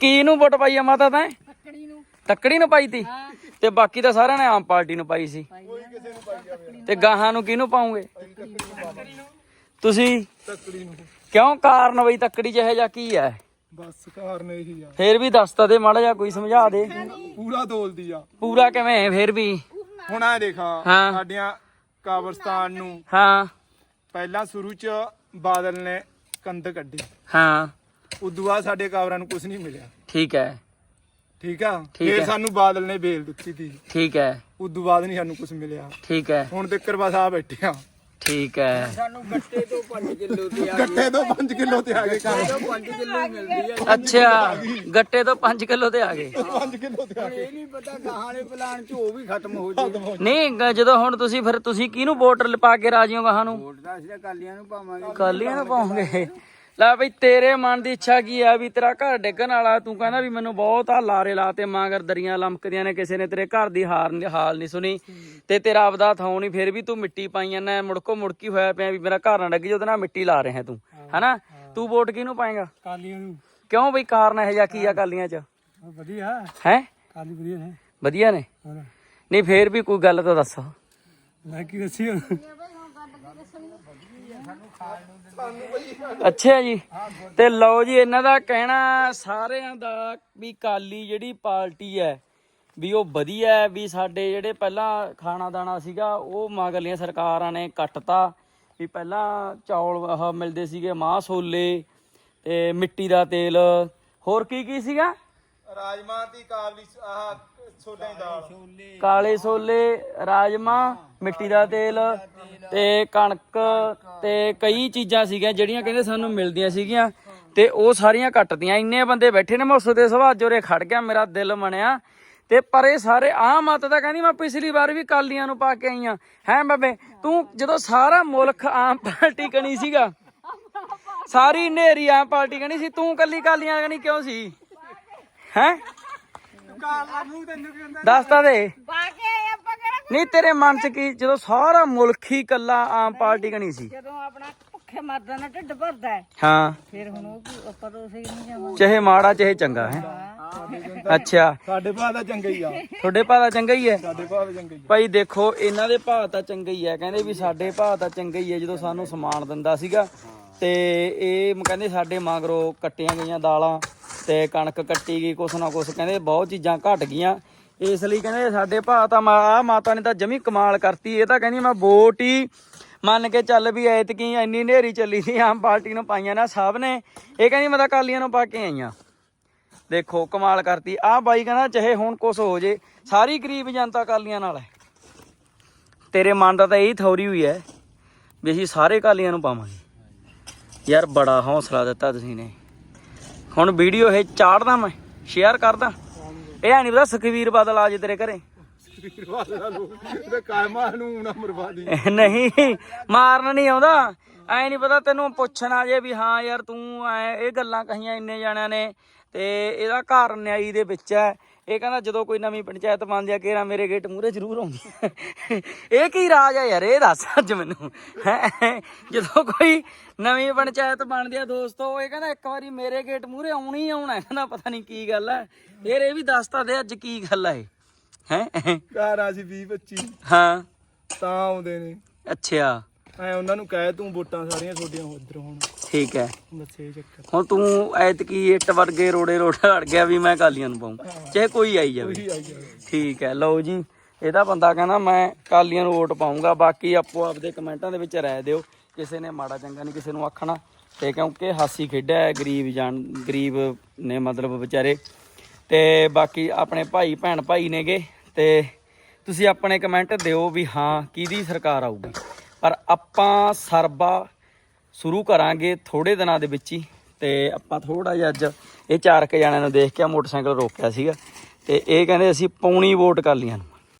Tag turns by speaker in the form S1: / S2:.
S1: ਕਿਹਨੂੰ ਵੋਟ ਪਾਈ ਆ ਮਾਤਾ ਤੈਂ? ਤੱਕੜੀ ਨੂੰ ਪਾਈ ਤੀ ਤੇ ਬਾਕੀ ਤਾਂ ਸਾਰਿਆਂ ਨੇ ਆਮ ਪਾਰਟੀ ਨੂੰ ਪਾਈ ਸੀ ਤੇ ਗਾਹਾਂ ਨੂੰ ਕਿਹਨੂੰ ਪਾਉਂਗੇ ਤੁਸੀਂ?
S2: ਤੱਕੜੀ ਨੂੰ।
S1: ਕਿਉਂ ਕਾਰਨ ਬਈ ਤੱਕੜੀ ਜਿਹੇ ਜਾਂ ਕੀ ਹੈ?
S2: ਬਸ ਕਾਰਨ ਇਹੀ ਆ।
S1: ਫੇਰ ਵੀ ਦੱਸ ਤਾਂ ਦੇ ਮਾੜਾ ਜਿਹਾ, ਕੋਈ ਸਮਝਾ ਦੇ।
S2: ਪੂਰਾ ਤੋਲਦੀ ਆ।
S1: ਪੂਰਾ ਕਿਵੇਂ ਫੇਰ ਵੀ?
S2: ਹੁਣ ਆ ਦੇਖਾ
S1: ਹਾਂ।
S2: ਸਾਡੀਆਂ ਕਬਰਸਤਾਨ ਨੂੰ
S1: ਹਾਂ
S2: ਪਹਿਲਾਂ ਸ਼ੁਰੂ ਚ ਬਾਦਲ ਨੇ ਕੰਧ ਕੱਢੀ,
S1: ਹਾਂ
S2: ਉਦੋਂ ਬਾਅਦ ਸਾਡੇ ਕਬਰਾਂ ਨੂੰ ਕੁਝ ਨਹੀਂ ਮਿਲਿਆ।
S1: ਠੀਕ ਹੈ
S2: ਠੀਕ ਆ।
S1: ਠੀਕ
S2: ਫੇਰ
S1: ਹੈ।
S2: ਸਾਨੂੰ ਬਾਦਲ ਨੇ ਬੇਲ ਦਿੱਤੀ ਸੀ,
S1: ਠੀਕ ਹੈ
S2: ਉਦੋਂ ਬਾਅਦ ਨਹੀਂ ਸਾਨੂੰ ਕੁਝ ਮਿਲਿਆ।
S1: ਠੀਕ ਹੈ
S2: ਹੁਣ ਤੱਕ ਬਸ ਆ ਬੈਠੇ ਆ।
S1: ਠੀਕ ਹੈ।
S3: ਸਾਨੂੰ ਗੱਟੇ ਤੋਂ 5 ਕਿਲੋ ਤੇ ਆ
S2: ਗੱਟੇ ਤੋਂ 5 ਕਿਲੋ ਤੇ ਆ ਗਏ ਕੰਮ।
S3: 5 ਕਿਲੋ ਮਿਲਦੀ ਆ।
S1: ਅੱਛਾ ਗੱਟੇ ਤੋਂ 5 ਕਿਲੋ ਤੇ ਆ ਗਏ।
S2: 5 ਕਿਲੋ ਤੇ ਆ ਗਏ।
S3: ਇਹ ਨਹੀਂ ਪਤਾ ਗਾਹਾਂ ਵਾਲੇ ਪਲਾਨ ਚ ਉਹ ਵੀ ਖਤਮ ਹੋ ਜਾਏ।
S1: ਨਹੀਂ ਜਦੋਂ ਹੁਣ ਤੁਸੀਂ ਫਿਰ ਤੁਸੀਂ ਕਿਹਨੂੰ ਵੋਟ ਪਾ ਕੇ ਰਾਜੀ ਹੋ ਗਾਹਾਂ ਨੂੰ?
S3: ਵੋਟ ਦਾ ਅਸੀਂ ਤਾਂ ਕਾਲੀਆਂ ਨੂੰ ਪਾਵਾਂਗੇ।
S1: ਕਾਲੀਆਂ ਨੂੰ ਪਾਉਂਗੇ। ਲੈ ਬਈ ਤੇਰੇ ਮਨ ਦੀ ਇੱਛਾ ਕੀ ਆ ਵੀ ਤੇਰਾ ਘਰ ਡਿੱਗਣ ਵਾਲਾ, ਤੂੰ ਕਹਿੰਦਾ ਵੀ ਮੈਨੂੰ ਬਹੁਤ ਆ ਲਾਰੇ ਲਾਤੇ ਮਾਂਗਰ ਦਰੀਆਂ ਲਮਕਦੀਆਂ ਨੇ, ਕਿਸੇ ਨੇ ਤੇਰੇ ਘਰ ਦੀ ਹਾਲ ਨਹੀਂ ਸੁਣੀ ਤੇ ਤੇਰਾ ਆਪਦਾ ਥਾਂ ਨਹੀਂ, ਫਿਰ ਵੀ ਤੂੰ ਮਿੱਟੀ ਪਾਈ ਜਾਂਦਾ, ਮੁੜਕੋ ਮੁੜਕੀ ਹੋਇਆ ਪਿਆ ਵੀ ਮੇਰਾ ਘਰ ਨਾ ਡਿੱਗ ਜੇ, ਉਹਦੇ ਨਾਲ ਮਿੱਟੀ ਲਾ ਰਿਹਾ ਤੂੰ, ਹਨਾ? ਤੂੰ ਵੋਟ ਕਿਹਨੂੰ ਪਾਏਗਾ?
S3: ਕਾਲੀਆਂ ਨੂੰ।
S1: ਕਿਉਂ ਬਈ ਕਾਰਨ ਇਹ ਜਿਹਾ ਕੀ ਆ ਕਾਲੀਆਂ ਚ?
S3: ਵਧੀਆ
S1: ਹੈ
S3: ਕਾਲੀ ਵਧੀਆ ਨੇ।
S1: ਵਧੀਆ ਨੇ? ਨਹੀਂ ਫੇਰ ਵੀ ਕੋਈ ਗੱਲ ਤਾਂ ਦੱਸ।
S3: ਮੈਂ ਕੀ ਦੱਸੀ
S1: ਅੱਛਾ ਜੀ। ਤੇ ਲਓ ਜੀ ਇਹਨਾਂ ਦਾ ਕਹਿਣਾ ਸਾਰਿਆਂ ਦਾ ਵੀ ਕਾਲੀ ਜਿਹੜੀ ਪਾਰਟੀ ਹੈ ਵੀ ਉਹ ਵਧੀਆ ਹੈ, ਵੀ ਸਾਡੇ ਜਿਹੜੇ ਪਹਿਲਾਂ ਖਾਣਾ ਦਾਣਾ ਸੀਗਾ ਉਹ ਮਗਰਲੀਆਂ ਸਰਕਾਰਾਂ ਨੇ ਕੱਟਤਾ, ਵੀ ਪਹਿਲਾਂ ਚੌਲ ਆਹ ਮਿਲਦੇ ਸੀਗੇ, ਮਾਂਹ ਛੋਲੇ ਤੇ ਮਿੱਟੀ ਦਾ ਤੇਲ, ਹੋਰ ਕੀ ਕੀ ਸੀਗਾ?
S2: ਰਾਜਮਾ ਦੀ ਕਾਬਲੀ ਆਹ ਛੋਲੇ ਦੀ ਦਾਲ,
S1: ਕਾਲੇ ਛੋਲੇ, ਰਾਜਮਾ, ਮਿੱਟੀ ਦਾ ਤੇਲ ਤੇ ਕਣਕ ਤੇ ਕਈ ਚੀਜ਼ਾਂ ਸੀਗੀਆਂ ਜਿਹੜੀਆਂ ਕਹਿੰਦੇ ਸਾਨੂੰ ਮਿਲਦੀਆਂ ਸੀਗੀਆਂ ਤੇ ਉਹ ਸਾਰੀਆਂ ਕੱਟਦੀਆਂ। ਇੰਨੇ ਬੰਦੇ ਬੈਠੇ ਨੇ, ਮੈਂ ਉਸ ਦੇ ਸੁਭਾਅ ਜੋਰੇ ਖੜ ਗਿਆ, ਮੇਰਾ ਦਿਲ ਬਣਿਆ ਤੇ ਪਰ ਇਹ ਸਾਰੇ ਆਹ ਮਤ ਤਾਂ ਕਹਿੰਦੀ ਮੈਂ ਪਿਛਲੀ ਵਾਰ ਵੀ ਕਾਲੀਆਂ ਨੂੰ ਪਾ ਕੇ ਆਈ ਆ। ਹੈ ਬਾਬੇ ਤੂੰ ਜਦੋਂ ਸਾਰਾ ਮੁਲਕ ਆਮ ਪਾਰਟੀ ਕਣੀ ਸੀਗਾ, ਸਾਰੀ ਨੇਰੀ ਆਮ ਪਾਰਟੀ ਕਣੀ ਸੀ, ਤੂੰ ਕੱਲੀ ਕਾਲੀਆਂ ਕਣੀ ਕਿਉਂ ਸੀ? ਹੈ ਦੱਸ ਤਾਂ ਦੇ। ਨਹੀਂ ਤੇਰੇ ਮਨ ਚ ਕੀ ਜਦੋਂ ਸਾਰਾ ਮੁਲਕ ਹੀ ਕੱਲਾ ਆਮ ਪਾਰਟੀ ਕਣੀ ਸੀ?
S4: ਜਦੋਂ ਆਪਣਾ ਭੁੱਖੇ ਮਰਦਾ ਨਾ ਢਿੱਡ ਭਰਦਾ ਹੈ
S1: ਹਾਂ
S4: ਫਿਰ ਹੁਣ ਉਹ ਆਪਾਂ ਤਾਂ ਉਸੇ ਨਹੀਂ ਜਾਵਾਂਗੇ।
S1: ਚਾਹੇ ਮਾੜਾ ਚਾਹੇ ਚੰਗਾ ਹੈ। ਅੱਛਾ
S2: ਸਾਡੇ ਭਾਅ ਦਾ ਚੰਗਾ ਹੀ ਆ।
S1: ਤੁਹਾਡੇ ਭਾਅ ਦਾ ਚੰਗਾ ਹੀ ਹੈ?
S2: ਸਾਡੇ ਭਾਅ ਦਾ ਚੰਗਾ ਹੀ ਆ।
S1: ਭਾਈ ਦੇਖੋ ਇਹਨਾਂ ਦੇ ਭਾਅ ਤਾਂ ਚੰਗਾ ਹੀ ਹੈ, ਕਹਿੰਦੇ ਵੀ ਸਾਡੇ ਭਾਅ ਤਾਂ ਚੰਗਾ ਹੀ ਹੈ। ਜਦੋਂ ਸਾਨੂੰ ਸਮਾਨ ਦਿੰਦਾ ਸੀਗਾ ਤੇ ਇਹ ਕਹਿੰਦੇ ਸਾਡੇ ਮਗਰੋਂ ਕੱਟੀਆਂ ਗਈਆਂ ਦਾਲਾਂ ਤੇ ਕਣਕ ਕੱਟੀ ਗਈ, ਕੁਛ ਨਾ ਕੁਛ ਕਹਿੰਦੇ ਬਹੁਤ ਚੀਜ਼ਾਂ ਘਟ ਗਈਆਂ, ਇਸ ਲਈ ਕਹਿੰਦੇ ਸਾਡੇ ਭਾਅ ਤਾਂ ਆ ਮਾਤਾ ਨੇ ਤਾਂ ਜਮੀ ਕਮਾਲ ਕਰਤੀ। ਇਹ ਤਾਂ ਕਹਿੰਦੀ ਮੈਂ ਵੋਟ ਹੀ ਮੰਨ ਕੇ ਚੱਲ ਵੀ ਐਤਕੀ ਇੰਨੀ ਹਨੇਰੀ ਚੱਲੀ ਸੀ ਆਮ ਪਾਰਟੀ ਨੂੰ ਪਾਈਆਂ ਨਾ ਸਭ ਨੇ, ਇਹ ਕਹਿੰਦੀ ਮੈਂ ਤਾਂ ਕਾਲੀਆਂ ਨੂੰ ਪਾ ਕੇ ਆਈਆਂ। ਦੇਖੋ ਕਮਾਲ ਕਰਤੀ। ਆਹ ਬਾਈ ਕਹਿੰਦਾ ਚਾਹੇ ਹੁਣ ਕੁਛ ਹੋ ਜੇ ਸਾਰੀ ਗਰੀਬ ਜਨਤਾ ਕਾਲੀਆਂ ਨਾਲ ਹੈ। ਤੇਰੇ ਮਨ ਦਾ ਤਾਂ ਇਹੀ ਥੋਰੀ ਹੋਈ ਹੈ ਵੀ ਅਸੀਂ ਸਾਰੇ ਕਾਲੀਆਂ ਨੂੰ ਪਾਵਾਂਗੇ। ਯਾਰ ਬੜਾ ਹੌਸਲਾ ਦਿੱਤਾ ਤੁਸੀਂ ਨੇ। ਹੁਣ ਵੀਡੀਓ ਇਹ ਚਾੜਦਾ ਮੈਂ ਸ਼ੇਅਰ ਕਰਦਾ, ਇਹ ਨਹੀਂ ਪਤਾ ਸੁਖਬੀਰ ਬਾਦਲ ਆ ਜੇ ਤੇਰੇ ਘਰੇ। ਨਹੀਂ ਮਾਰਨ ਨਹੀਂ ਆਉਂਦਾ, ਐ ਨਹੀਂ ਪਤਾ ਤੈਨੂੰ ਪੁੱਛਣ ਆ ਜੇ ਵੀ ਹਾਂ ਯਾਰ ਤੂੰ ਐ ਇਹ ਗੱਲਾਂ ਕਹੀਆਂ ਇੰਨੇ ਜਾਣਿਆਂ ਨੇ ਤੇ ਇਹਦਾ ਘਰ ਨਿਆਈ ਦੇ ਵਿੱਚ ਹੈ। ਇਹ ਕਹਿੰਦਾ ਜਦੋਂ ਕੋਈ ਨਵੀਂ ਪੰਚਾਇਤ ਬਣਦੀ ਆ ਘੇਰਾ ਮੇਰੇ ਗੇਟ ਮੂਹਰੇ ਜ਼ਰੂਰ ਆਉਂਦੀ। ਇਹ ਕੀ ਰਾਜ ਆ ਯਾਰ, ਇਹ ਦੱਸ ਅੱਜ ਮੈਨੂੰ। ਜਦੋਂ ਕੋਈ ਨਵੀਂ ਪੰਚਾਇਤ ਬਣਦੀ ਆ ਦੋਸਤੋ, ਇਹ ਕਹਿੰਦਾ ਇੱਕ ਵਾਰੀ ਮੇਰੇ ਗੇਟ ਮੂਹਰੇ ਆਉਣਾ ਹੀ ਆਉਣਾ। ਕਹਿੰਦਾ ਪਤਾ ਨਹੀਂ ਕੀ ਗੱਲ ਹੈ ਯਾਰ, ਇਹ ਵੀ ਦੱਸ ਤਾਂ ਦੇ ਅੱਜ ਕੀ ਗੱਲ ਹੈ। ਹੈ
S2: ਘਰ ਆ ਸੀ 20-25
S1: ਹਾਂ
S2: ਤਾਂ ਆਉਂਦੇ ਨੇ।
S1: ਅੱਛਾ
S2: ਐ ਉਹਨਾਂ ਨੂੰ ਕਹਿ ਤੂੰ ਵੋਟਾਂ ਸਾਰੀਆਂ ਤੁਹਾਡੀਆਂ ਉਧਰ ਹੁਣ।
S1: ਠੀਕ ਹੈ।
S2: ਬੱਸੇ ਚੱਕਰ
S1: ਹੁਣ ਤੂੰ ਐਤਕੀ ਇੱਟ ਵਰਗੇ ਰੋੜੇ ਅੜ ਗਿਆ ਵੀ ਮੈਂ ਕਾਲੀਆਂ ਨੂੰ ਪਾਉਂ, ਚਾਹੇ ਕੋਈ ਆਈ ਜਾਵੇ। ਠੀਕ ਹੈ। ਲਓ ਜੀ ਇਹਦਾ ਬੰਦਾ ਕਹਿੰਦਾ ਮੈਂ ਕਾਲੀਆਂ ਨੂੰ ਵੋਟ ਪਾਊਂਗਾ। ਬਾਕੀ ਆਪੋ ਆਪਦੇ ਕਮੈਂਟਾਂ ਦੇ ਵਿੱਚ ਰਾਏ ਦਿਓ, ਕਿਸੇ ਨੇ ਮਾੜਾ ਚੰਗਾ ਨਹੀਂ ਕਿਸੇ ਨੂੰ ਆਖਣਾ ਤੇ ਕਿਉਂਕਿ ਹਾਸੀ ਖੇਡਾ ਹੈ, ਗਰੀਬ ਨੇ ਮਤਲਬ ਵਿਚਾਰੇ। ਤੇ ਬਾਕੀ ਆਪਣੇ ਭਾਈ ਭੈਣ ਭਾਈ ਨੇਗੇ ਤੇ ਤੁਸੀਂ ਆਪਣੇ ਕਮੈਂਟ ਦਿਓ ਵੀ ਹਾਂ ਕਿਹਦੀ ਸਰਕਾਰ ਆਊਗੀ। ਪਰ ਆਪਾਂ ਸਰਬਾ ਸ਼ੁਰੂ ਕਰਾਂਗੇ ਥੋੜੇ ਦਿਨਾਂ ਦੇ ਵਿੱਚ ਹੀ। ਤੇ ਆਪਾਂ ਥੋੜਾ ਜਿਹਾ ਅੱਜ ਇਹ 4 ਜਣਿਆਂ ਨੂੰ ਦੇਖ ਕੇ ਮੋਟਰਸਾਈਕਲ ਰੋਕਿਆ ਸੀਗਾ ਤੇ ਇਹ ਕਹਿੰਦੇ ਅਸੀਂ ਪਾਉਣੀ ਵੋਟ ਕਾਲੀਆਂ ਨੂੰ।